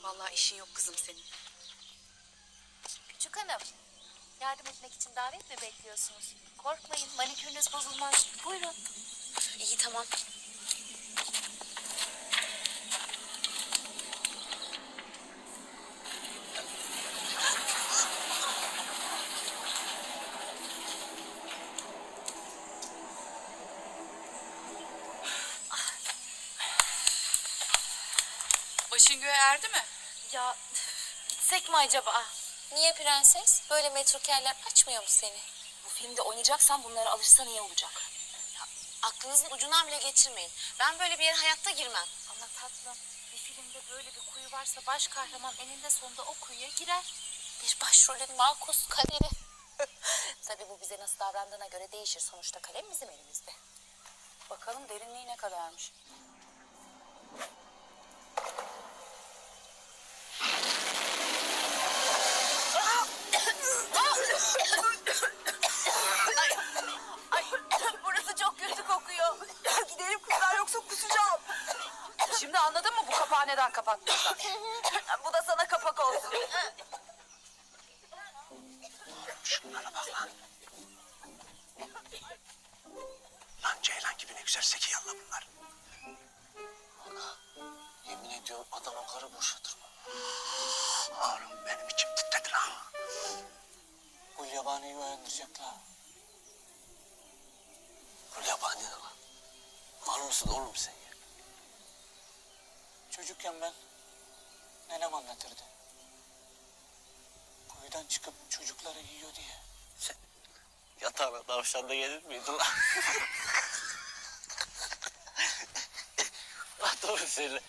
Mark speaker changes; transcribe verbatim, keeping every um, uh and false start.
Speaker 1: Vallahi işin yok kızım senin.
Speaker 2: Küçük hanım, yardım etmek için davet mi bekliyorsunuz? Korkmayın, manikürünüz bozulmaz. Buyurun.
Speaker 1: İyi tamam. Başın göğe erdi mi?
Speaker 2: Ya gitsek mi acaba? Niye prenses? Böyle metrokerler açmıyor mu seni?
Speaker 1: Bu filmde oynayacaksan bunlara alışsan iyi olacak. Ya, aklınızın ucundan bile geçirmeyin. Ben böyle bir yere hayatta girmem.
Speaker 2: Ama tatlım, bir filmde böyle bir kuyu varsa baş kahraman eninde sonunda o kuyuya girer. Bir başrolün makus kaderi. Tabii bu bize nasıl davrandığına göre değişir. Sonuçta kalem bizim elimizde.
Speaker 1: Bakalım derinliği ne kadarmış.
Speaker 2: Burası çok kötü kokuyor.
Speaker 1: Gidelim kızlar yoksa kusacağım. Şimdi anladın mı bu kapağı neden kapattığını?
Speaker 2: Bu da sana kapak olsun.
Speaker 3: Şunlara bak lan. Lan ceylan gibi ne güzel zekiyalla bunlar.
Speaker 4: Ana, yemin ediyorum adam o karı boşatır mı?
Speaker 3: Oğlum benim içim titredi lan.
Speaker 4: Bu yabaniyi uyandıracaklar. Bu yabani ne lan? Var mısın oğlum sen ya? Çocukken ben nenem anlatırdı. Kuyudan çıkıp çocukları yiyor diye. Sen yatağına tavşan da gelir miydin lan? Lan doğru söyle.